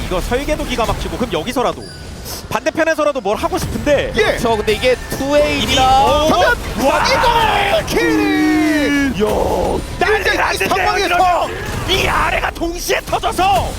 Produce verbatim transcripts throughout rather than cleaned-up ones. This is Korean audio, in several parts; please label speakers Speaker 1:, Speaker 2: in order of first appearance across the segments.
Speaker 1: 이거 설계도 기가 막히고 그럼 여기서라도 반대편에서라도 뭘 하고 싶은데
Speaker 2: 예.
Speaker 3: 그렇죠. 근데 이게 투에이라
Speaker 2: 그러면
Speaker 1: 와
Speaker 2: 이걸 킬!
Speaker 1: 요 난리
Speaker 2: 이
Speaker 1: 났는데
Speaker 2: 상황에서
Speaker 1: 이 아래가 동시에 터져서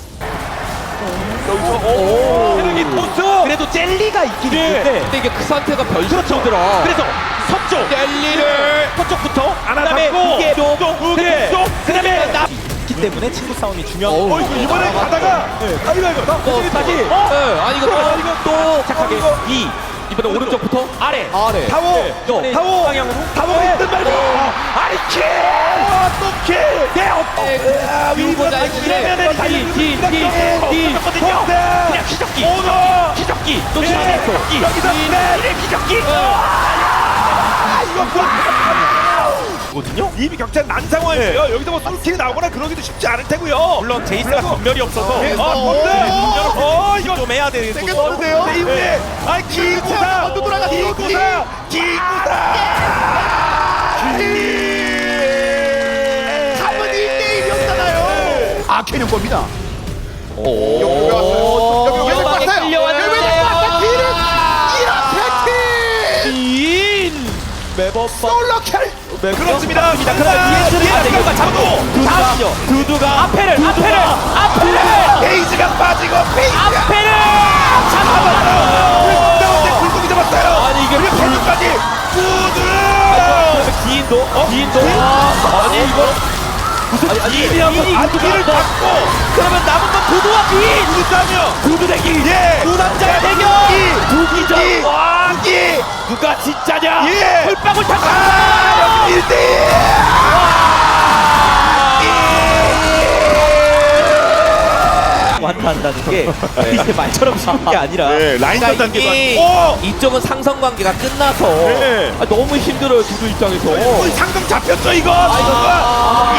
Speaker 1: 여기서
Speaker 3: 오.
Speaker 1: 헤르기 토스 그래도 젤리가 있긴
Speaker 2: 예.
Speaker 1: 있는데
Speaker 3: 근데 이게 그 상태가
Speaker 1: 그렇죠.
Speaker 3: 변수더라.
Speaker 1: 그래서 서쪽
Speaker 3: 젤리를
Speaker 1: 서쪽부터
Speaker 2: 하나
Speaker 1: 그다음에
Speaker 2: 잡고,
Speaker 1: 이게
Speaker 2: 또 우게.
Speaker 1: 쪽 그다음에 나 있기 때문에 친구 싸움이 중요한
Speaker 3: 어우.
Speaker 2: 어 이거 이번에
Speaker 3: 아,
Speaker 2: 가다가
Speaker 1: 네.
Speaker 2: 아이고 아이고 나
Speaker 3: 또
Speaker 2: 다시
Speaker 3: 네. 아니 이거
Speaker 2: 어,
Speaker 3: 또,
Speaker 2: 이거
Speaker 3: 또
Speaker 1: 착하게
Speaker 2: 이거.
Speaker 1: 이
Speaker 3: 이번에 오른쪽부터
Speaker 1: 아래
Speaker 3: 아래.
Speaker 2: 타워
Speaker 1: 또
Speaker 2: 타워
Speaker 1: 방향으로
Speaker 2: 타워 있든 말고
Speaker 1: 아니 킬!
Speaker 2: 또킬
Speaker 1: 네, 어,
Speaker 2: 아,
Speaker 3: 유보자
Speaker 1: 이러면은
Speaker 2: 뒤뒤뒤뒤
Speaker 1: 거든요. 그냥 기적기,
Speaker 2: 오너
Speaker 1: 기적기, 또
Speaker 2: 네.
Speaker 1: 기적기,
Speaker 2: 여기서 네.
Speaker 1: 이래 기적기.
Speaker 2: 아 이거
Speaker 1: 거든요.
Speaker 2: 이미 격차는 난 상황이에요. 여기서 뭐 솔킬이 나오거나 그러기도 쉽지 않을 테고요.
Speaker 1: 물론 제이스가 전멸이 없어서
Speaker 2: 네.
Speaker 1: 어,
Speaker 2: 어,
Speaker 1: 어,
Speaker 2: 어,
Speaker 1: 이거 좀 해야 돼.
Speaker 2: 세게 넣으세요. 네, 이후에 아 기구사 또 돌아가 기구사 기구사 한번 일 대 일이었잖아요. 아 캐년 겁니다.
Speaker 3: 오.
Speaker 2: 여기 왜 왔어요? 여기 왜
Speaker 3: 위험하게
Speaker 2: 왔어요?
Speaker 3: 끌려왔는데.
Speaker 2: 여기 왜 왔어요? 뒤를 이렇게
Speaker 1: 인 매번
Speaker 2: 솔로 킬.
Speaker 1: 그렇습니다. 그러나
Speaker 2: 뒤에
Speaker 1: 두두가 잡고 두두가 두두가 앞에를 앞에를 앞에를
Speaker 2: 베이지가 빠지고 베이지
Speaker 1: 앞에를
Speaker 2: 잡아요. 가운데 굴곡이 잡았어요.
Speaker 3: 아니, 이게
Speaker 2: 그리고 캐년까지 구두.
Speaker 1: 기인도 어? 기인도 아니 이거
Speaker 3: 아니, 아니,
Speaker 1: 기인이라고
Speaker 2: 앞뒤를 잡고
Speaker 1: 그러면 남은 건 두두와 기인
Speaker 2: 구두 싸며
Speaker 1: 두두 대기
Speaker 2: 예.
Speaker 1: 두 남자의 대결 두기전
Speaker 2: 이.
Speaker 1: 와
Speaker 2: 이.
Speaker 1: 누가 진짜냐
Speaker 2: 예.
Speaker 1: 홀방울 탔다
Speaker 2: 아, 일 대 일.
Speaker 1: 완타한다는 게 이제 말처럼 쉬운 게 아니라
Speaker 2: 네, 라인전
Speaker 3: 그러니까
Speaker 2: 단계도
Speaker 3: 이미
Speaker 2: 아니고.
Speaker 3: 이쪽은 상성 관계가 끝나서
Speaker 2: 네.
Speaker 3: 아, 너무 힘들어요 두두 입장에서.
Speaker 2: 오, 상금 잡혔죠 이거.
Speaker 3: 아,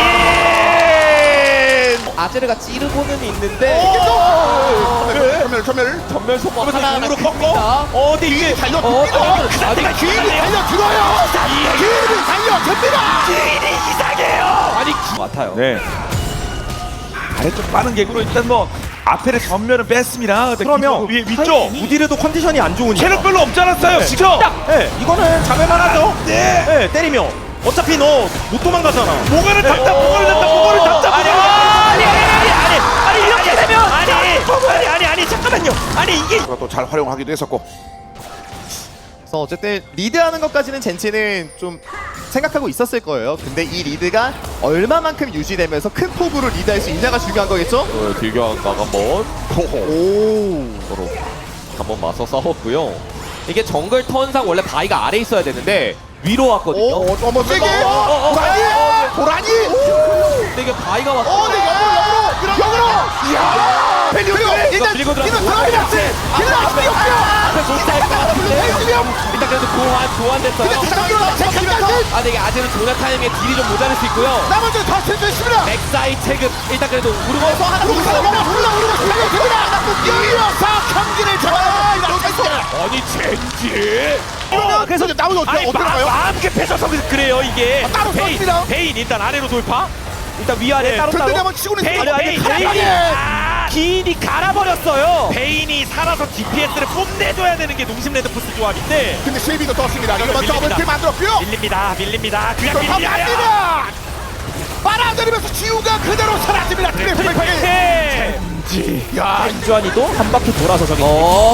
Speaker 2: 예.
Speaker 3: 아제르가 찌르고는 있는데
Speaker 2: 전멸 전멸.
Speaker 3: 전멸 소모 하나
Speaker 2: 눈으로 꺾고.
Speaker 3: 큽니다.
Speaker 2: 어, 근데 이게 달려
Speaker 3: 어,
Speaker 2: 듭니다.
Speaker 3: 어,
Speaker 2: 그
Speaker 3: 아니,
Speaker 2: 상태가 기인이
Speaker 3: 아니,
Speaker 2: 달려 들어요. 기인이 달려 듭니다.
Speaker 1: 기인이 이상해요
Speaker 3: 아니 같아요.
Speaker 2: 네. 아래쪽 빠른 객으로 일단 뭐 앞에를 전면을 뺐습니다.
Speaker 1: 그러면
Speaker 2: 위 위쪽
Speaker 1: 우디르도 컨디션이 안 좋으니까
Speaker 2: 체력 별로 없지 않았어요.
Speaker 1: 네.
Speaker 2: 지금.
Speaker 1: 네, 이거는 잡을만 하죠
Speaker 2: 네.
Speaker 1: 네, 때리면 어차피 너 못 도망가잖아
Speaker 2: 목을 잡다 목을 잡다 목을 잡다
Speaker 1: 아니
Speaker 2: 목을
Speaker 1: 아니 아니 아니 아니 아니 이렇게 되면 아니 아니 아니 아니 잠깐만요 아니 이게
Speaker 2: 또 잘 활용하기도 했었고.
Speaker 4: 그래서 어쨌든 리드하는 것까지는 젠치는 좀 생각하고 있었을 거예요. 근데 이 리드가 얼마만큼 유지되면서 큰 폭으로 리드할 수 있냐가 중요한 거겠죠?
Speaker 3: 어, 길교환가가 한번
Speaker 4: 오.
Speaker 3: 서로 한번 맞서 싸웠고요. 이게 정글 턴상 원래 바위가 아래 있어야 되는데 위로 왔거든요.
Speaker 2: 어, 어머 세게.
Speaker 3: 어, 어, 어,
Speaker 2: 고라니.
Speaker 3: 어,
Speaker 2: 고라니.
Speaker 3: 근데 이게 바위가 왔어.
Speaker 2: 어, 네 역으로 역으로 역으로. 이야. 그리고 일단
Speaker 3: 밀고 들어가고.
Speaker 2: 이거 들어가면 킬러 앞에 없어요.
Speaker 3: 앞에 못할 것 같은데. 일단 그래도 교환 교환됐어요. 아, 근데 이게 아직은 조나 타임에 딜이 좀 모자랄 수 있고요.
Speaker 2: 나머지는 다 센터 있습니다.
Speaker 3: 백사이 체급 일단 그래도 우르고서 하나
Speaker 2: 우르고 하나 먹어 올라 우르고 달려 됩니다. 이어서 경기를 잡아야 됩니다.
Speaker 1: 아니 젠지
Speaker 2: 이러면 그래서 나머지 어떻게
Speaker 1: 아니
Speaker 2: 어떻게
Speaker 1: 마,
Speaker 2: 나가요?
Speaker 1: 마음 급해서 그래요 이게
Speaker 2: 따로
Speaker 1: 베인
Speaker 2: 썼습니다.
Speaker 1: 베인 일단 아래로 돌파 일단 위아래
Speaker 2: 네,
Speaker 1: 따로
Speaker 2: 든든히
Speaker 1: 따로
Speaker 2: 한번 치고는
Speaker 1: 베인
Speaker 2: 있어요.
Speaker 1: 베인
Speaker 2: 베인,
Speaker 1: 베인이
Speaker 2: 베인.
Speaker 1: 아, 기인이 갈아버렸어요 베인이 살아서 디피에스를 뽐내줘야 되는 게 농심 레드포스 조합인데
Speaker 2: 근데 쉐이비도 떴습니다. 이러면
Speaker 1: 밀립니다.
Speaker 2: 더블킬 만들었고요.
Speaker 1: 밀립니다 밀립니다 그냥
Speaker 2: 돌파
Speaker 1: 밀려요
Speaker 2: 갑니다. 빨아들이면서 지우가 그대로 사라집니다. 트리플 킬.
Speaker 1: 네.
Speaker 2: 야,
Speaker 1: 주한이도 한 바퀴 돌아서 저기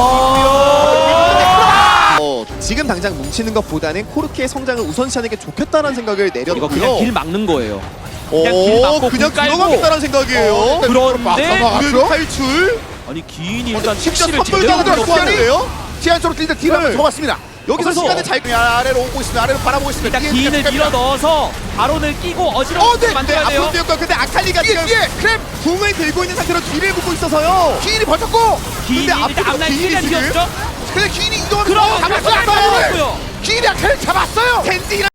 Speaker 4: 어, 지금 당장 뭉치는 것보다는 코르키의 성장을 우선시하는 게 좋겠다는 생각을 내렸고요.
Speaker 3: 막는 거예요.
Speaker 4: 오,
Speaker 3: 그냥 길 막고
Speaker 4: 그냥
Speaker 3: 굴 깔고.
Speaker 4: 들어가겠다는 생각이에요.
Speaker 3: 그런데
Speaker 4: 그 탈출.
Speaker 3: 아니 기인이 일단
Speaker 2: 직접
Speaker 3: 택시를
Speaker 2: 선물
Speaker 3: 제대로
Speaker 2: 가져다
Speaker 3: 들었어요.
Speaker 2: 주는데요. 지한쪽으로 일단 뒤로 한번
Speaker 4: 네.
Speaker 2: 들어갔습니다.
Speaker 4: 여기서
Speaker 2: 그래서
Speaker 4: 시간을 잘
Speaker 2: 아래로 오고 있습니다. 아래로 바라보고 있습니다.
Speaker 3: 일단
Speaker 2: 뒤에
Speaker 3: 기인을
Speaker 2: 시작합니다.
Speaker 3: 밀어 넣어서 바론을 끼고
Speaker 2: 어,
Speaker 3: 어지럽게
Speaker 2: 네,
Speaker 3: 만들어야 돼요.
Speaker 4: 앞으로 뛰었고 근데 아칼리가
Speaker 2: 뒤에
Speaker 4: 지금
Speaker 2: 뒤에 크랩
Speaker 4: 궁을 들고 있는 상태로 뒤를 묶고 있어서요.
Speaker 2: 기인이 버텼고.
Speaker 3: 기인이
Speaker 4: 근데
Speaker 3: 일단
Speaker 4: 앞으로
Speaker 3: 앞날
Speaker 4: 기인이
Speaker 3: 시간
Speaker 4: 지금
Speaker 3: 뛰었죠.
Speaker 2: 근데 기인이 이동하면서
Speaker 3: 그럼
Speaker 2: 잡았어요.
Speaker 3: 잡았고요.
Speaker 2: 기인이 아칼리 잡았어요.
Speaker 4: 젠지랑